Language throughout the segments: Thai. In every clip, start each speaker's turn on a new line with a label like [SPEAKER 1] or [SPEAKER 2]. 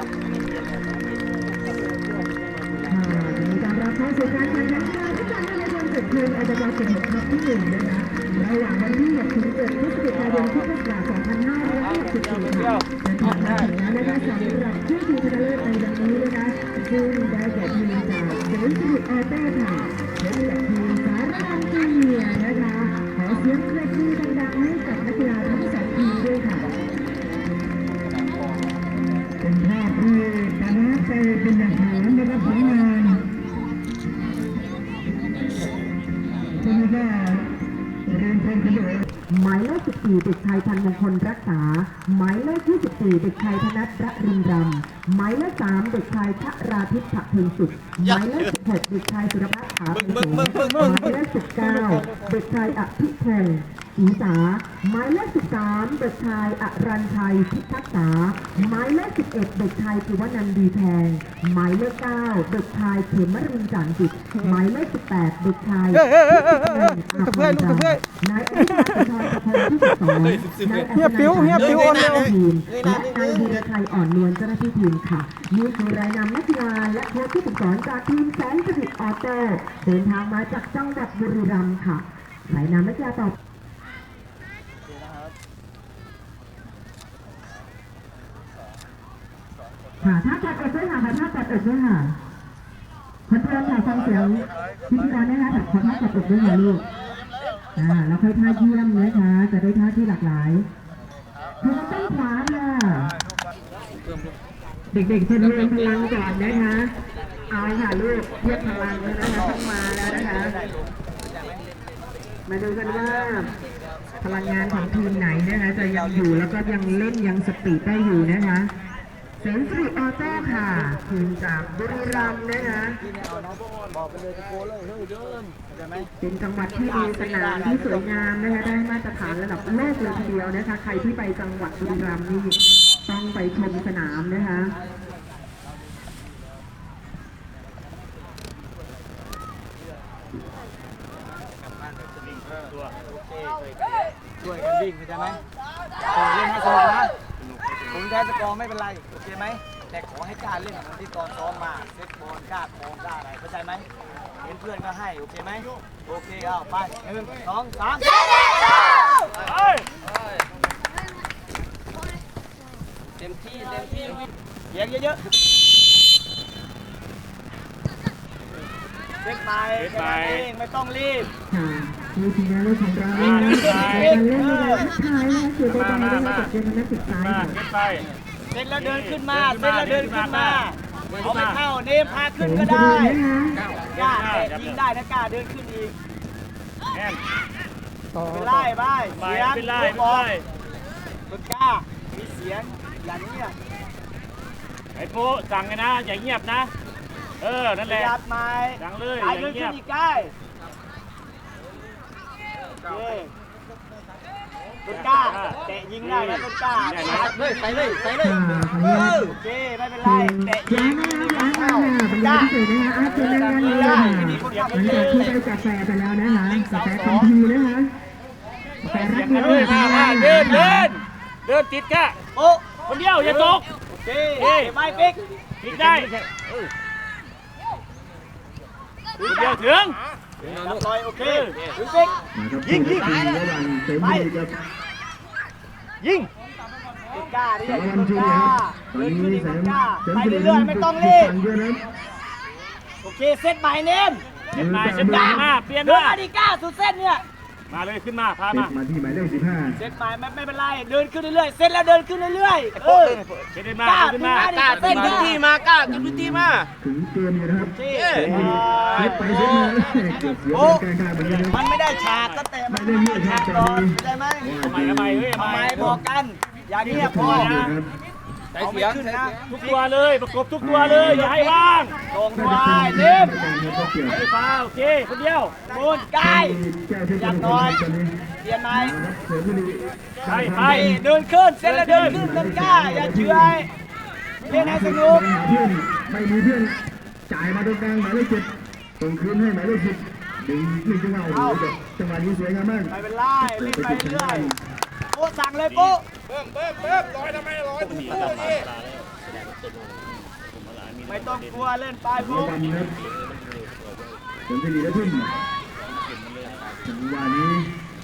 [SPEAKER 1] การรับเข้าสู่การแข่งขันกีฬาฟุตบอลเยาวชนจุดยืนอาจจะเป็นสิบหกครั้งที่หนึ่งนะคะระหว่างวันที่6 ถึง 7 พฤศจิกายนพุทธศักราช 2564 ค่ะเดินทางมาถึงแล้วนะคะสำหรับชื่อทีมชนะเลิศในวันนี้นะคะซึ่งได้แก่ทีมจากเซนต์สิริออโต้ค่ะและจากทีมสารพันจูเนียร์นะคะขอเสียงปรบมือดังๆให้กับนักกีฬาทั้งสองทีมด้วยค่ะเป็นภาพที่ประทับใจเป็นอย่างสูงนะครับผลงานคุณก็เรียนเพลงกันเลยหมายเลข14เด็กชายพันมงคลรักษาหมายเลข24เด็กชายธนัทระรินรำหมายเลข3เด็กชายชราทิพย์ฉะเพ็งสุขหมายเลข16เด็กชายสุรพัฒน์ขาเป็นสูงหมายเลข19เด็กชายอภิพงศ์ศรีษาหมายเลข13เด็กชายอรัญชัยพิทักษาหมายเลข11เด็กชายภูวนันท์ดีแพงหมายเลข9เด็กชายเขมรินทร์จันทร์จิตหมายเลข18เด็กชายนายอภิชาติธรประพงศ์ที่12นายเฮียปิ้วอ่อนนวลทีมและนายธีรชัยอ่อนนวลเจ้าหน้าที่ทีมค่ะนี่คือรายนำนักกีฬาและโค้ชผู้ฝึกสอนจากทีมแสนสิริออโต้เดินทางมาจากจังหวัดบุรีรัมย์ค่ะรายนำนักกีฬาต่อค่ะถ้าจัดอดด้วยค่ะถ้าจัดอดด้วยค่ะคนเพื่อนค่ะฟังเสียงพิธีกรนะคะแต่ขอท่าจัดอดด้วยค่ะลูกแล้วค่อยท่าเยี่ยมนะคะจะได้ท่าที่หลากหลายคือมันต้องขวาค่ะเด็กๆจะเรียนพลังก่อนนะคะเอาค่ะลูกเทียบพลังแล้วนะคะต้องมาแล้วนะคะมาดูกันว่าพลังงานของทีมไหนนะคะจะยังอยู่แล้วก็ยังเล่นยังสปีดได้อยู่นะคะเซนทรีออโต้ค่ะทีมจากบุรีรัมย์นะคะเป็นจังหวัดที่มีสนามที่สวยงามนะคะได้มาตรฐานระดับโลกเลยทีเดียวนะคะใครที่ไปจังหวัดบุรีรัมย์นี่ต้องไปชมสนามนะคะ
[SPEAKER 2] ช่วยกันวิ่งเข้าใจไหมเล่นให้สนุกนะผมแพ้สกอร์ไม่เป็นไรโอเคไหมแต่ขอให้กล้าเล่นเหมือนที่ตอนซ้อมมาเซ็ตบอลกล้าโค้งกล้าอะไรเข้าใจไหมเห็นเพื่อนก็ให้โอเคไหมโอเคเอาไป1 2 3เต็มที่เยียงเยอะๆเซ็ตไปแค่นั้นเองไม่ต้องรีบ
[SPEAKER 1] มีทีมงานของเราการเล่นในการทักทายนะคะสื่อใดๆได้มาจากเดือนนักศึกษา
[SPEAKER 2] เซ็ตแล้วเดินขึ้นมาเอาไม่เข้าเนมพาขึ้นก็ได้กล้ายิงได้นะกล้าเดินขึ้นอีกเป็นไล่ไปเสียงลูกบอลคุณกล้ามีเสียงอย่างนี้
[SPEAKER 3] ไอ้ปุ๊สั่งไงนะอย่าเงียบนะนั่นแหละดังเลย
[SPEAKER 2] อย่าเงียบใกล้ต้นกล้าเตะยิงได้แล้วต้นกล้าใส่เลยโอเคไม่เป็นไรเตะยิง
[SPEAKER 1] เป็นการพิเศษนะคะอาร์ตเป็นการเล่นค่ะหลังจากที่ได้กาแฟไปแล้วนะคะกาแฟคำพีนะคะกาแฟรักเดียว
[SPEAKER 3] เดินติดกะโอ้คนเดียวอย่าตก
[SPEAKER 2] โอเคไม่ปิ๊ก
[SPEAKER 3] ได้คนเดียวถึง
[SPEAKER 2] ลอยโอเคปิ๊ก
[SPEAKER 1] ยิงไป
[SPEAKER 3] ยิง
[SPEAKER 2] กล้าดิกล้าเดินขึ้นอีกกล้าไปเรื่อยๆไม่ต้องรีบโอเคเซตใหม่เน้น
[SPEAKER 3] เซตมาเปลี่ยน
[SPEAKER 2] ด้วยดิก้าสุดเส้นเนี่ย
[SPEAKER 3] มาเลยขึ้นมาพามา
[SPEAKER 1] ที่หมายเลข15
[SPEAKER 2] เซตใหม่ไม่เป็นไรเดินขึ้นเรื่อยๆเซตแล้วเดินขึ้นเรื่อยๆ
[SPEAKER 3] เซตมาก
[SPEAKER 2] ล้าเส้นพื้นที่มากล้าขึ้นพื้นที่มา
[SPEAKER 1] ถึงเกมอยู่นะครับไปเซตมา
[SPEAKER 2] โอ้มันไม่ได้ฉากก็แต่มันไม่ได้ฉากก่อนได้ไหม
[SPEAKER 3] ทำไม
[SPEAKER 2] บอกกันอย่างนี้พอนะ
[SPEAKER 3] เอาไม่ขึ้นนะทุกตัวเลยประกบทุกตัวเลยอย่าให้ว่าง
[SPEAKER 2] ตรงไปเนิ่ม
[SPEAKER 3] ไม่ฟาวโอเคคนเดียว
[SPEAKER 2] โดนใกล้อย่างน้อยเปลี่ยนไหมไปเดินขึ้นเส้นแล้วเดินขึ้นต้นกล้าอย่าเฉื่อยเล่นให้สนุก
[SPEAKER 1] ไม่มีเพื่อนจ่ายมาตรงกลางหมายเลข7ส่งคืนให้หมายเลข10ดึงจังหวะจังหวะนี้สวยงามมาก
[SPEAKER 2] ไม่เป็นไรเล่นไปเรื่อยโอ้สั่งเลยปุ๊
[SPEAKER 4] เบิ้มลอยทำไมลอย
[SPEAKER 2] ไม่ต้องกลัวเล่นไป
[SPEAKER 4] หัว
[SPEAKER 2] ปุ๊บ
[SPEAKER 4] บอลครับผลสิริและทุ่มจังหวะนี้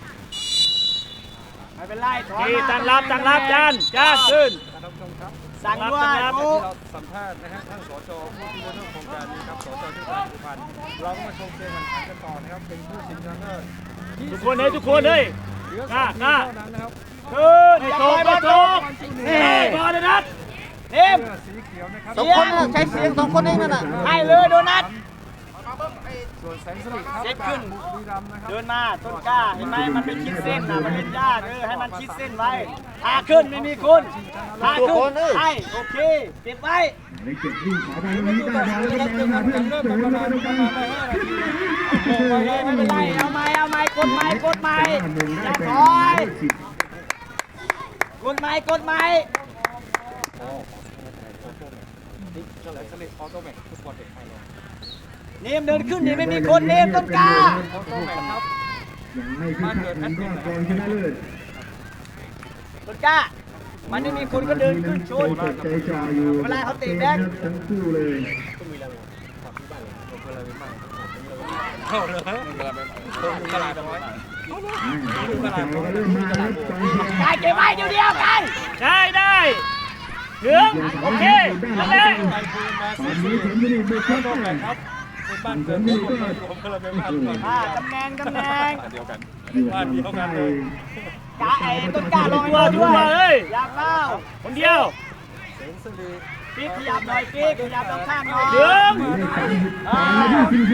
[SPEAKER 2] ไม่เป็นไรถอน
[SPEAKER 3] นี่
[SPEAKER 2] มา
[SPEAKER 3] ตั้งรับจานขึ้น
[SPEAKER 2] สั่งด้วยปุ๊บ
[SPEAKER 5] สัมภาษณ์นะฮะท่านสจผู้ที่เรื่องโครงการนี้ครับสจที่การสุพรรณเราก็มาชมเกมแข่งขันกันต่อนะครับเป็นผู้ชิงชนะเลิศ
[SPEAKER 3] ทุกคนเลยเฮ้ย
[SPEAKER 5] เหลือ
[SPEAKER 3] หน้า
[SPEAKER 5] 2ทีมเท่านั้นนะครับ
[SPEAKER 3] ขึ้นไม่ตกนี่บอลเลยนัด
[SPEAKER 2] เอ็ม
[SPEAKER 5] เสื้อสีเขียวนะครับ
[SPEAKER 2] สองคนน่ะใช้เสียง2 คนเองนั่นน่ะให้เลยโดนัท
[SPEAKER 5] ส่วนแสงสลิดครับ
[SPEAKER 2] เซ็ตขึ้น
[SPEAKER 5] บุรีรัมย์นะครับ
[SPEAKER 2] เดินมาต้นกล้าเห็นไหมมันไม่ชิดเส้นนะมันเป็นหญ้าให้มันชิดเส้นไว้พาขึ้นไม่มีคุณพาขึ้นให้โอเคเก็บไว้
[SPEAKER 4] ในเก็บวิ่งขอไปตรงนี้ได้บอลแล้วก็มาเพื่อนเสริมเข้ามาตรงกลาง
[SPEAKER 2] ไม่เป็นไรเอาไม้กดไม้อย่าถอยกดไม้
[SPEAKER 5] แสงสลิดออโต้แมทฟุตบอลเด็กไทยเรา
[SPEAKER 2] เนมเดินขึ้นนี่ไม่มีคนเนมต้นกล้า
[SPEAKER 5] ออโต้แมทครับ
[SPEAKER 4] ยังไม่ขึ้นครับผมก็กองชนะเลิศ
[SPEAKER 2] ต้นกล้ามันไม่มีคนก็เดินขึ้นชน
[SPEAKER 4] เปิดใจจ่ออยู่
[SPEAKER 2] เวลาเขาตีแบงค์
[SPEAKER 4] ทั้งคู่เลย
[SPEAKER 5] เข้าเลยตลาดน้อย
[SPEAKER 4] เราก็เริ่มมาแล้วกองเชียร์
[SPEAKER 2] กายเก็บไว้เดียวกัน
[SPEAKER 3] ได้ถึงโอเคนั่นแหละ
[SPEAKER 4] ตอนนี้ผมจะได้บุกเข้าไป
[SPEAKER 5] ครับเป็นบ้านเกิดของคนรวมพลังเป็นบ้านก่อน
[SPEAKER 2] ตำแหน่ง
[SPEAKER 5] เดียวกัน
[SPEAKER 4] อยู่ทางใต้
[SPEAKER 2] กาไอ้ต้นกล้าลงมาด้วยอยากเล่า
[SPEAKER 3] คนเดียว
[SPEAKER 5] แสงสลิด
[SPEAKER 2] ปิ๊กขยับหน่อยปิ๊กขยับข้างหน่อย
[SPEAKER 3] ถึง
[SPEAKER 4] หมายเลข30ตามมาที่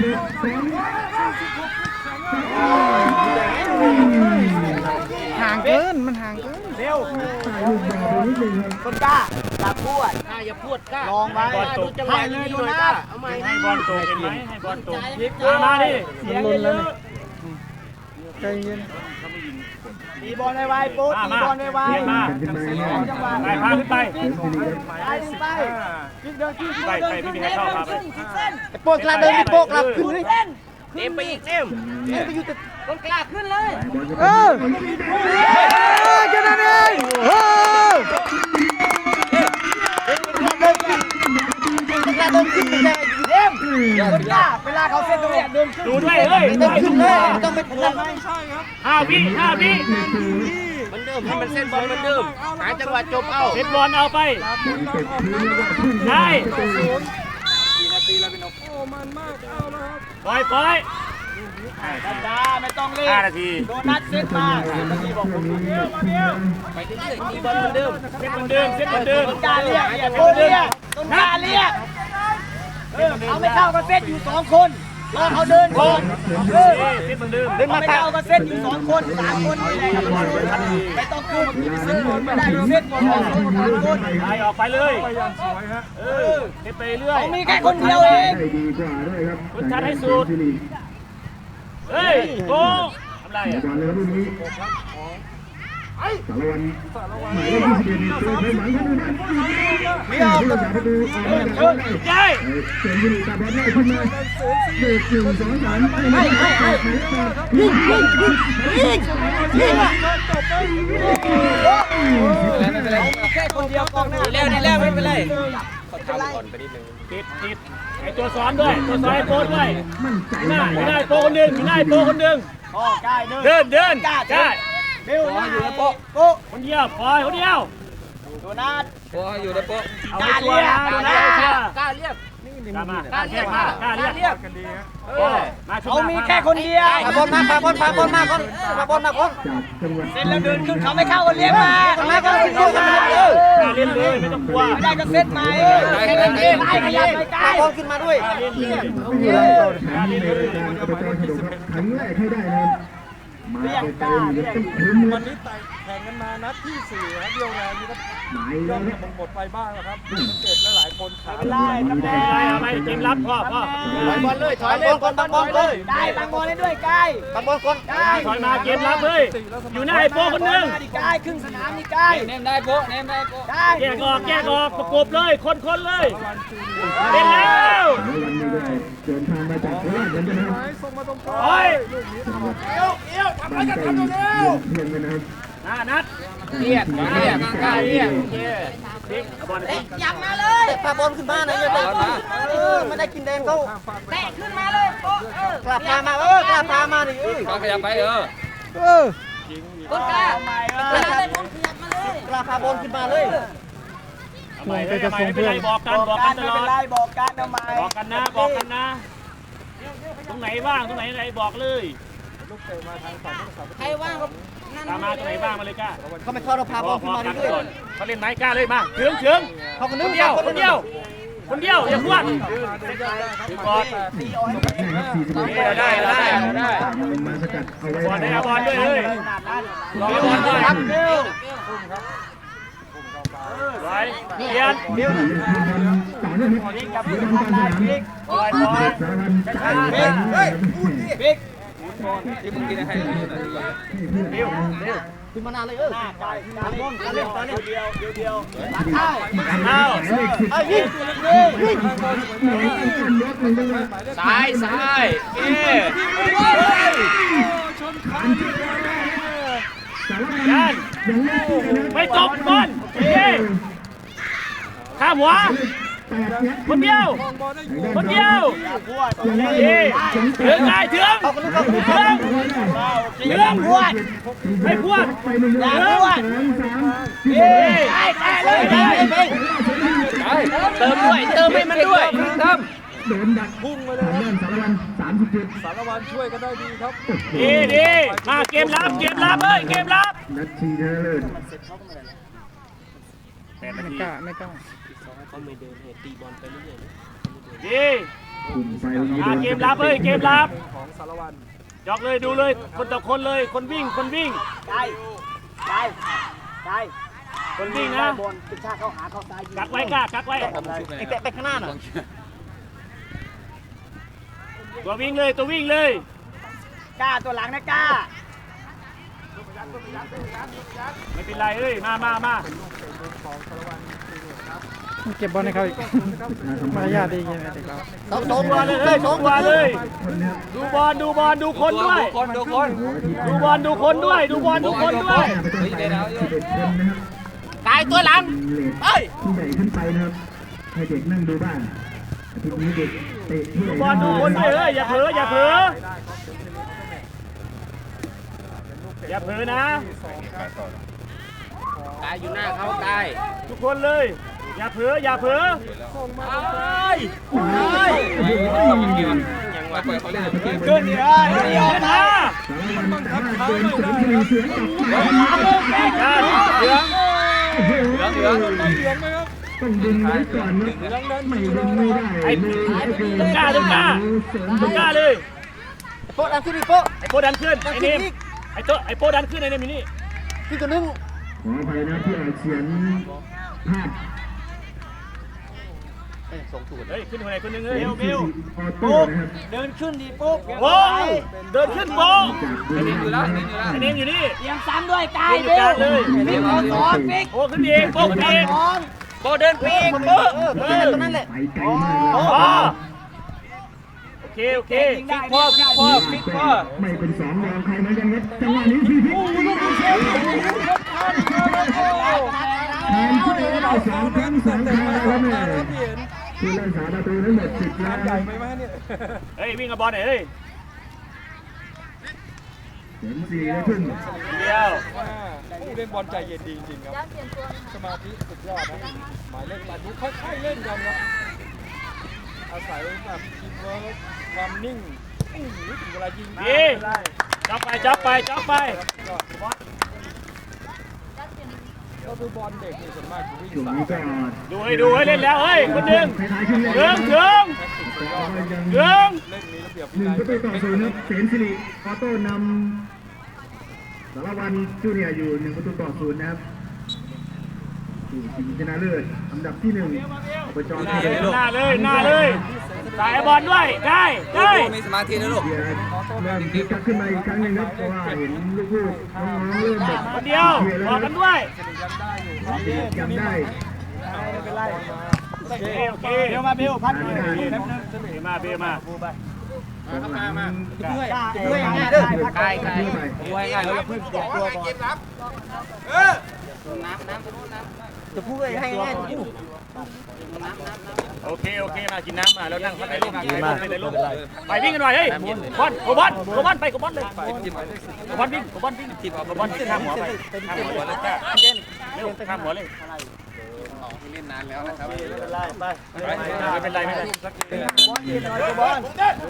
[SPEAKER 4] 41
[SPEAKER 2] ห่างเกินมันห่างเกินเร็ว
[SPEAKER 4] ใส่ลูกบอลไปนิดนึงครับ
[SPEAKER 2] ต้นกล้าอย่าพูดอย่าพูดกล้าลองไว้ให้เลยดูนะ
[SPEAKER 3] ให้บอลตกเห็นไหมให้บอลตกมาดิ
[SPEAKER 2] เสียงเยอะใจเย็นตีบอลไวๆปุ๊บตีบอลไว
[SPEAKER 3] เรียนมา
[SPEAKER 4] กันขึ้นมาเนี่ย
[SPEAKER 2] จังหวะ
[SPEAKER 3] ไปพาขึ้นไป
[SPEAKER 4] เสริมสิริครับ
[SPEAKER 2] ไปไปขึ้นเดินขึ้น
[SPEAKER 3] ไปไม่มีใครเข้ามาไป
[SPEAKER 2] โป๊กกล้าเดินโป๊กกล้าขึ้นเส้น
[SPEAKER 3] เต็มไปอีกเต็ม
[SPEAKER 2] ไปอยู่แต่ต้นกล้าขึ้นเลย
[SPEAKER 4] จะนั่นเอง
[SPEAKER 2] ต้นกล้าเดินขึ้นไปเลยเดมต้นกล้าเวลาเขาเส้นตรงนี้เดินขึ้น
[SPEAKER 3] ดูด้วยเฮ้ย
[SPEAKER 2] เดินขึ้นเลยต้องเป็นคนไหม
[SPEAKER 3] 5 วิ
[SPEAKER 6] มันเดิมให้มันเส้นบอลมันเดิมหาจังหวะจบเอา
[SPEAKER 3] เซตบอลเอาไป
[SPEAKER 4] บอลตกพื้นแล้วก็พุ่ง
[SPEAKER 3] ได้
[SPEAKER 4] ประตู
[SPEAKER 5] โอ้มันมากเอาแล้วครับ
[SPEAKER 3] ปล่อย
[SPEAKER 2] ธรรมดาไม่ต้องรีบ
[SPEAKER 3] 5 นาที
[SPEAKER 2] โดนัทเซตมาที่บอกผมเดียวมาเดียว
[SPEAKER 6] ไปเรื่อยๆตีบอลมันเดิม
[SPEAKER 3] เซตเหมือนเดิม
[SPEAKER 2] ต้นกล้าเรียกต้นเรียกต้นกล้าเรียกเอาไม่เข้าก็เซตอยู่2 คนรอเขาเดินก่อน
[SPEAKER 3] เซตเหมือนเดิม
[SPEAKER 2] เดินมาเข้าก็เซตอยู่2 คน3 คนไม่ต้องขึ้นเซตไม่ได้เซตหมด2 คน3 คน
[SPEAKER 3] ไปออกไปเลย
[SPEAKER 5] ไปอย่างสวยฮะ
[SPEAKER 3] เซตไปเรื่อย
[SPEAKER 2] เขามีแค่คนเดียวเอง
[SPEAKER 4] ได้ดีกว่าด้วยครับ
[SPEAKER 3] คุณชัดให้สุด
[SPEAKER 4] สิริ
[SPEAKER 3] เฮ้ยโกทำไร
[SPEAKER 4] บ
[SPEAKER 3] อ่ะ
[SPEAKER 4] อลเลยครับลูกนี้สารวันหมายเลข21ตัวเพิ่มหลังเข้ามาไม่ออกผู้รักษาประตูออกมาจากเข้าได้
[SPEAKER 3] ใช่
[SPEAKER 4] เสริมสิริตัดบอลได้ขึ้นมาเบรก1 2 3ไม่ยิง
[SPEAKER 2] แค่คนเดียวกองหน้า
[SPEAKER 6] ดีแล้วไม่เป็นไร
[SPEAKER 3] ติดไอตัวซ้อนด้วยตัวซ้อนไอโปด้วย
[SPEAKER 4] มั่นใจ
[SPEAKER 3] ไม่ได้โปคนหนึ่งไม่ได้โปคนหนึ่ง
[SPEAKER 2] พ่อใกล้เดิน
[SPEAKER 3] เดิน
[SPEAKER 2] กล้า
[SPEAKER 3] ใช่
[SPEAKER 2] เร็วอยู่ในโป๊ะโป๊ะ
[SPEAKER 3] คนเดียวปล่อยคนเดียว
[SPEAKER 2] โดนัท
[SPEAKER 6] พออยู่ในโป๊ะ
[SPEAKER 3] เอาไปตัวนะดูนะ
[SPEAKER 6] กล้าเรียก
[SPEAKER 3] กล้ามากล้าเรียกมากล้าเรียก
[SPEAKER 5] กันดีฮะ
[SPEAKER 3] มาชุบ
[SPEAKER 2] เขามีแค่คนเดียว
[SPEAKER 6] พาบอลมาคน
[SPEAKER 4] จากจังหวัด
[SPEAKER 2] เส้นแล้วเดินขึ้นเขาไม่เข้าก็เลี้ยงมาเขาไม่เข้าก็เลี้ยงมา
[SPEAKER 3] ล้าเล่นเลยไม่ต้องกลัว
[SPEAKER 2] ไม่ได้ก็เซตมาแค่นั้นเองไล่ขยับไปไกล
[SPEAKER 6] บอลขึ้นมาด้วย
[SPEAKER 3] เล่นเลย
[SPEAKER 4] เป็นรายการในรายการอบจฉลองครับครั้งแรกให้ได้นะครับมาไกลๆต้องถึง
[SPEAKER 5] วันนี้แข่งกันมานัดที่4ครับเดียวแรงนี่ก็
[SPEAKER 4] หมาย
[SPEAKER 5] ย
[SPEAKER 4] แล้
[SPEAKER 5] อ
[SPEAKER 4] ว
[SPEAKER 5] ด
[SPEAKER 4] ครับ
[SPEAKER 5] หมดไปบ้างแล้วครับสังเกตหลายๆคนขา
[SPEAKER 2] ไม่ไล่ตำแหน่ง
[SPEAKER 3] เอาไปเกมรับพ่อ
[SPEAKER 6] ถอยบอลเลยถอยเลยบอลบอลเลย
[SPEAKER 2] ได้บางบอลให้ด้วยไกล
[SPEAKER 6] บอลคน
[SPEAKER 2] ได้
[SPEAKER 3] ถอยมาเกมรับเลยอยู่หน้าไอโปคนหนึ่ง
[SPEAKER 2] ดิไกลครึ่งสนามนี่ไกล
[SPEAKER 6] เนมได้โป๊ะเนมได้โป๊ะ
[SPEAKER 2] ได้
[SPEAKER 3] แยกออกประกบเลยคนเลย
[SPEAKER 5] วันจูเนีย
[SPEAKER 3] เล่นแล้ว
[SPEAKER 4] วันนี้ได้เดินทางมาจากโคราชเหมือนกันนะครับ
[SPEAKER 5] ส่งมาตรงกลาง
[SPEAKER 3] โอ้ย
[SPEAKER 5] ลูกนี้
[SPEAKER 4] บ้านไกลเยือนเพียงกันนะครับ
[SPEAKER 3] นัด
[SPEAKER 6] เรียกกล้าเรียกโอเค
[SPEAKER 3] บิ๊กเอาบอลไป
[SPEAKER 2] ยับมาเลยพาบอลขึ้นมาหน่อยเตะไม่ได้กินแดงเขาแตะขึ้นมาเลยกลับพามากลับพามาดิ
[SPEAKER 6] ก็ขยับไป
[SPEAKER 2] ต้นกล้ากล้าพาบอลขึ้นมาเลย
[SPEAKER 3] เอาใหม่ไม่เป็นไรบอกกันตลอด
[SPEAKER 2] บอกกันทำไม
[SPEAKER 3] บอกกันนะตรงไหนว่างตรงไหนบอกเลย
[SPEAKER 5] ลูกเตะมาทางฝั่งผู้รักษาประตู
[SPEAKER 2] ใครว่างก็นั่น
[SPEAKER 3] ตามมาตรงไหนว่างมาเลยกล้า
[SPEAKER 2] เขาไม่เข้าเราพาบอลขึ้นมาเรื่อย
[SPEAKER 3] เขาเล่นไม้กล้าเลยมาเชิง
[SPEAKER 2] ๆเขาคน
[SPEAKER 3] ค
[SPEAKER 2] นึง
[SPEAKER 3] นเดียวอย่าพวดบอล ได้
[SPEAKER 4] มาสกัดเอาไว้
[SPEAKER 3] บอลได้บอลด้วยเลยบอลด้วยครับไว้เปลี่ยน
[SPEAKER 4] ต่อเนื่องครับบอลกลางสนาม
[SPEAKER 3] บอล
[SPEAKER 4] สารพัน
[SPEAKER 2] บิ๊ก
[SPEAKER 6] ที่มึงกินให้
[SPEAKER 2] ขึ้นมานานเลยหน้าไก่ตาบอลเล่นเดียว
[SPEAKER 3] เอา
[SPEAKER 2] ยิง
[SPEAKER 6] ซ้ายเอ๊ะ
[SPEAKER 3] ยันไม่ตบบอลข้ามหัวคนเดียวถึงไงถึงพวดให้พวด
[SPEAKER 6] เติมให้มันด้วยทำ
[SPEAKER 4] โดนดักพุ่งมาเลยสารวัตร37
[SPEAKER 5] สารวัตรช่วยกันได้ดีครับ
[SPEAKER 3] ดีมาเกมรับเกมรับ
[SPEAKER 4] นัดชีเดอร์
[SPEAKER 3] ไม่กล้าดี เกมรับเกมรับ
[SPEAKER 5] ของสารวัตร
[SPEAKER 3] ยกเลยดูเลยคนต่อคนเลยคนวิ่งคนวิ่งนะ
[SPEAKER 2] บอลติดชาเข้าหาเข้าซ้าย
[SPEAKER 3] กักไว้กล้ากักไว้
[SPEAKER 2] ไอ้แตะไปข้างหน้าหน่อย
[SPEAKER 3] ตัววิ่งเลย
[SPEAKER 2] กล้าตัวหลังนะกล้า
[SPEAKER 3] ไม่เป็นไรมา
[SPEAKER 5] เก็บบอลให้เขาอีกมารยาทดีไงเด็กเรา
[SPEAKER 2] สองตัวเลย
[SPEAKER 3] ดูบอลดูคนด้วย
[SPEAKER 6] ดูคน
[SPEAKER 3] ดูบอลดูคนด้วย
[SPEAKER 6] ตายตัวหลัง
[SPEAKER 4] เอ้ยผู้ใหญ่ขึ้นไปนะครับให้เด็กนั่งดูบ้างอาทิตย์นี้เด็กเตะผู้ใหญ่
[SPEAKER 3] บอลดูคนด้วยอย่าเผลออย่าเผลอนะ
[SPEAKER 6] ตายอยู่หน้าเขาตาย
[SPEAKER 3] ทุกคนเลยอย่าเผลอ
[SPEAKER 6] ยังว่าปล่อยเขาเล่น
[SPEAKER 3] ขึ้นดิขึ้นนะ
[SPEAKER 4] ต้องดึงไว้ก่อนนะไม่ดึงไม่ได้
[SPEAKER 3] ไอ้กล้าเลย
[SPEAKER 2] โป๊ะดันขึ้นดิโป๊ะ
[SPEAKER 3] ไอ้โปดันขึ้นไอ้เนมไอ้โปดันขึ้นไอ้เนมอยู่นี่
[SPEAKER 2] ขึ้นตัวนึง
[SPEAKER 4] ขออภัยนะที่เขียนภาพ
[SPEAKER 3] เฮ้ยขึ้นคนไหนคนนึงเฮ้ยเบล
[SPEAKER 4] ออโต้นะครับ
[SPEAKER 2] เดินขึ้นดิโป๊ะ
[SPEAKER 3] โอ้เดินขึ้นโป
[SPEAKER 4] จากบุรีรัมย์
[SPEAKER 3] ไอ้เนมอยู่นี่
[SPEAKER 2] เตรียมซ้ำด้วยกาย
[SPEAKER 3] อยู่กลางเลย
[SPEAKER 2] บิ๊กขอสอนบิ๊ก
[SPEAKER 3] โปขึ้นเองโปขึ้นเอง
[SPEAKER 6] โบเดินปีกโบ
[SPEAKER 2] ตรงนั้นแหละ
[SPEAKER 4] ไปไกลมากเลย
[SPEAKER 3] โอเค
[SPEAKER 6] ฟิกพ่อ
[SPEAKER 4] ไม่เป็นสองรองใครเหมือนกันครับจังหวะนี้พี่แทนที่จะได้2 ครั้ง2 ครั้งแล้วแม่ผู้เล่นสาประตูทั้งหมด10 ล้าน
[SPEAKER 5] ใหญ่ไหมวะเนี่ย
[SPEAKER 3] เฮ้ยวิ่งกับบอลหน่อยเฮ้ย
[SPEAKER 4] เห็น4ได้ครึ่ง
[SPEAKER 3] เดียว
[SPEAKER 5] ผู้เล่นบอลใจเย็นดีจริงครับสมาธิสุดยอดนะหมายเลข8นี้ค่อยๆเล่นกันครับอาศัยแบบทีมเวิร์คความนิ่งถึงเวลายิง
[SPEAKER 3] ดีจับไป
[SPEAKER 5] ก็คือบอลเด็กนี่ส่วนมากจะวิ่ง
[SPEAKER 4] ช่วง
[SPEAKER 5] สาย
[SPEAKER 4] นี้ก็
[SPEAKER 3] ดูให้เล่นแล้วเฮ้ยคนหนึ่ง
[SPEAKER 4] ท้ายๆครึ่งแรก
[SPEAKER 3] เดิง
[SPEAKER 5] เล่นมีระเบียบวินัย
[SPEAKER 4] 1-0ครับเสนสิริออโต้นำสารวัตรจูเนียร์อยู่1-0นะครับชิงชนะเลิศอันดับที่1อบจ
[SPEAKER 3] หน้าเลยสายบอลด้วยได้
[SPEAKER 6] มีสมาธินะลูก
[SPEAKER 4] เริ่มคึกคักขึ้นมาอีกครั้งหนึ่งครับเพราะว่าเห็นลูกๆน้องๆเริ่มแบบ
[SPEAKER 3] คนเดียวบอกกันด้วย
[SPEAKER 4] จำได้
[SPEAKER 3] โอเคเบลมาเบลพัดเลยมา
[SPEAKER 2] เพื่อยง่ายเด้อ
[SPEAKER 6] ไกล
[SPEAKER 2] เพื่อยง่ายแล้วเพื่อนเปลี่ยนตัวก่อนจะพูดให้ง่ายพูด
[SPEAKER 3] โอเคมากินน้ำมาแล้วนั่งข้างในร่มในร่มไปวิ่งกันหน่อยเฮ้ยบอลโกบอลไปโกบอลเลยโกบอลวิ่งโกบอลขึ้นข้ามหัวไปข้ามหัวเลยเร็วข้ามหัวเลยไม่เป็นไร
[SPEAKER 2] บอลยืนหน่อยบอล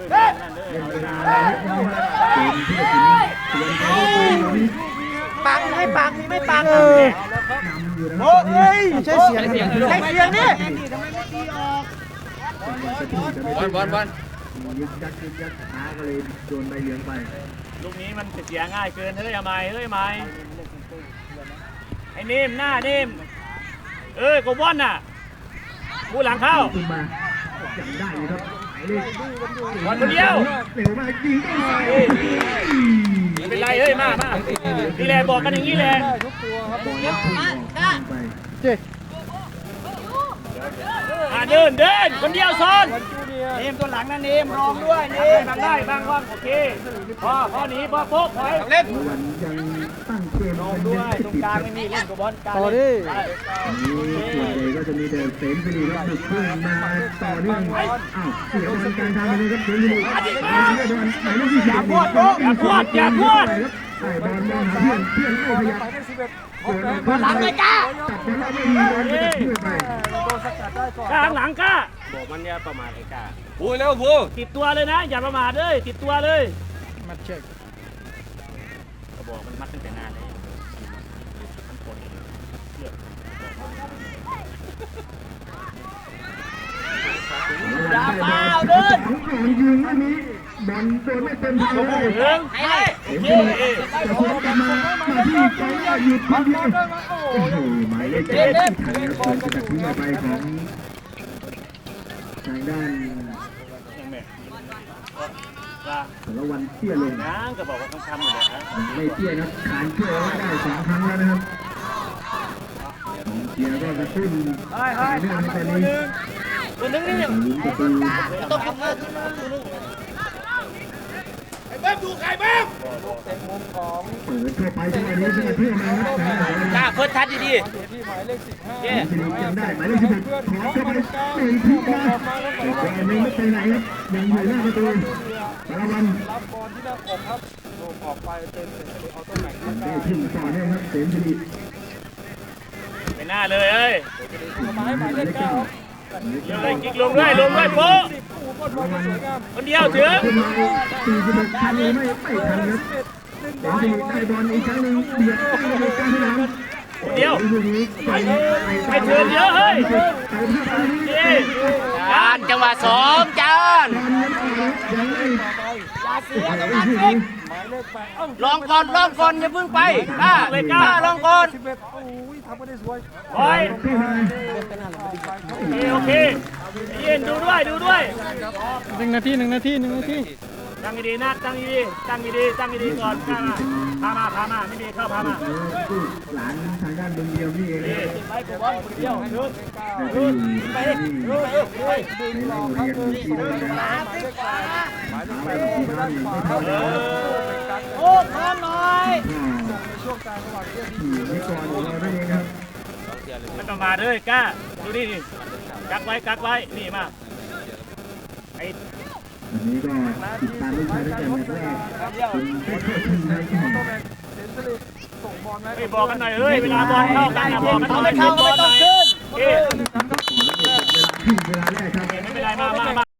[SPEAKER 2] ปังไม่ปังไม่ปังโอ้ยใช้เสียงนี่
[SPEAKER 6] บอล
[SPEAKER 4] ยึกยักช้าก็เลยโดนใบเหลืองไป
[SPEAKER 3] ลูกนี้มันเสียง่ายเกินเฮ้ยไม่ไอ้นิ่มหน้านิ่มโกบอลน่ะผู้หลังเข้า
[SPEAKER 4] ขึ้นมาจำได้เลยครับหมายเลข
[SPEAKER 3] บอลคนเดียว
[SPEAKER 4] เร็วมากยิงเข้ามา
[SPEAKER 3] ไม่เป็นไรเฮ้ยมานี่แหละบอกกันอย่างนี้แหละ
[SPEAKER 5] ทุกตัวครับ
[SPEAKER 4] บอลพุ่งออกไป
[SPEAKER 3] เดินคนเดียวซ้อน
[SPEAKER 5] จูเนีย
[SPEAKER 2] เนมตัวหลังนะเนมรองด้วยเนม
[SPEAKER 3] บางได้บางว่างโอเคพอหนีพอโป๊กไป
[SPEAKER 2] เล่น
[SPEAKER 4] วันยังตั้งเกม
[SPEAKER 2] รอง
[SPEAKER 4] เป็น
[SPEAKER 2] ด้วย
[SPEAKER 4] ที่
[SPEAKER 2] ตรง
[SPEAKER 4] ติด
[SPEAKER 2] กลาง
[SPEAKER 4] ครับ
[SPEAKER 2] ไม่มีเล่นกับบอลกลาง
[SPEAKER 5] ต่อดิ
[SPEAKER 4] นี้ส่วนใหญ่ก็จะมีแต่เสมสิริครับบุกขึ้นมาต่อเนื่องอ้าวเสียบอลกลางทางไปเลยครับเสมสิริหมายเลข20อย่าพวดใส่บอลมองหาเพื่อนไม่ขยับ
[SPEAKER 5] ไปได้11
[SPEAKER 4] เกิดมาหลังไม่กล้าจับบอลแล้วไม่มีบอลจะเพื่อไป
[SPEAKER 5] โดนสกัดได้ก่อน
[SPEAKER 3] กลางหลังก้า
[SPEAKER 6] บอกมันเนี่ยประมาทไอ้กา
[SPEAKER 2] พูดแล้วพูด
[SPEAKER 3] ติดตัวเลยนะอย่าประมาทเลยติดตัวเลย
[SPEAKER 5] มาเช็ค
[SPEAKER 3] ก็บอกมันมัดตั้งแต่นานเลยมันปวดเชือก
[SPEAKER 4] อย่าเปล่าเดินยิงไม่มีบอลโดนไม่เต็มทางเลย
[SPEAKER 3] เรื่อง
[SPEAKER 2] ไอ้
[SPEAKER 4] เอ็มซีจะพุ่งกลับมาที่ใจหยุดทีเดียวโอ้โหหมายเลข7ที่ทันครับเกินจากทิ้งออกไปของทางด้าน
[SPEAKER 3] ยังไงว่า
[SPEAKER 4] สารวันเตี้ยลง
[SPEAKER 3] น้ำก็บอกว่าต้องทำอยู่แล้วนะ
[SPEAKER 4] ไม่เตี้ยครับขานเชื่อไว้ได้2 ครั้งแล้วนะครับเชียร์ก็กระตุ้นเรื่องในตอนนี้
[SPEAKER 3] ตัวนึงนี่
[SPEAKER 4] ลุ้นประตู
[SPEAKER 3] ต้องทำงาน
[SPEAKER 5] เต็มมุมของ
[SPEAKER 4] เปิดทั่วไปจังหวะนี้จังหวะเพื่อนมาครับ
[SPEAKER 6] กาเพิ่นทัดดี
[SPEAKER 5] ที่หมายเลข15
[SPEAKER 4] เอ็มซียังได้หมายเลข16ขอเข้าไป1 ทีนะแต่ก็ยังไม่ไปไหนครับยังอยู่หน้าประตูสารวัน
[SPEAKER 5] รับบอลที่หน้าอกครับโดนออกไปเป็นเสร็จเอาตัวไหนก็
[SPEAKER 4] ได้
[SPEAKER 5] ได้
[SPEAKER 4] ขึ้นต่อเนื่องครับเสมสิริ
[SPEAKER 3] ไปหน้าเลยเอ้ย
[SPEAKER 5] หมายเลข9
[SPEAKER 3] เลยกิ๊กลงด้วยโป๊ะ
[SPEAKER 5] 10บอลบอลสวยงาม
[SPEAKER 3] คนเดียวถึง
[SPEAKER 4] ขึ้นมา46ทันหรือไม่ทันครับเสมสิริได้บอลอีกครั้งหนึ่งเบียดตั้งในกลางสนาม
[SPEAKER 3] คนเดียว
[SPEAKER 4] ลูกนี้ไป
[SPEAKER 3] ไปเชิญเยอะเฮ้ย
[SPEAKER 4] ไปภาพนี้
[SPEAKER 6] ๆจานจังหวะ2จาน
[SPEAKER 4] ยังไม่
[SPEAKER 5] หมายเลข8
[SPEAKER 6] ลองก่อนอย่าเพิ่งไปกล้าลองก่อน
[SPEAKER 5] 11โอ้ยทำก็ได้สวย
[SPEAKER 3] โอ้ยโอเคเย็นดูด้วย1 นาทีตั้งดีๆนะตั้งดีๆก่อนพามาไม่ดีเข้าพามา
[SPEAKER 4] หลานทางด้านเมืองเดียวนี่เอง
[SPEAKER 3] ไปกับบอลคนเดียวถึง
[SPEAKER 4] ไปที่ในโรงเรียนที่โรงเรียน
[SPEAKER 5] หมายเลข8หมายเลข8ไปด้านขวาครับ
[SPEAKER 2] โอ้พร้อมหน่อย
[SPEAKER 5] ในช่วงกลางระหว่างเที่ยวที่
[SPEAKER 4] ขี่ไม่ก่อนของเรานั่นเองครับ
[SPEAKER 3] ไม่ต้องมาเลยกล้าดูนี่กักไว้นี่มาไอ้
[SPEAKER 4] วันนี้ก็ติดตามลูกชายตั้งแต่แมตช์แรกจนได้เข้าชิงในที่
[SPEAKER 5] ตัวแบ่งเซนเซอร์ส่งบอล
[SPEAKER 3] ไปบอกกันหน่อยเฮ้ยเวลาบอลเข้ากันบอกกันหน่อย
[SPEAKER 2] ไม่เข้าก็ไม่ต้องขึ้น
[SPEAKER 3] โอเค
[SPEAKER 4] เวลาแรกครับ
[SPEAKER 3] ไม่เป็นไรมา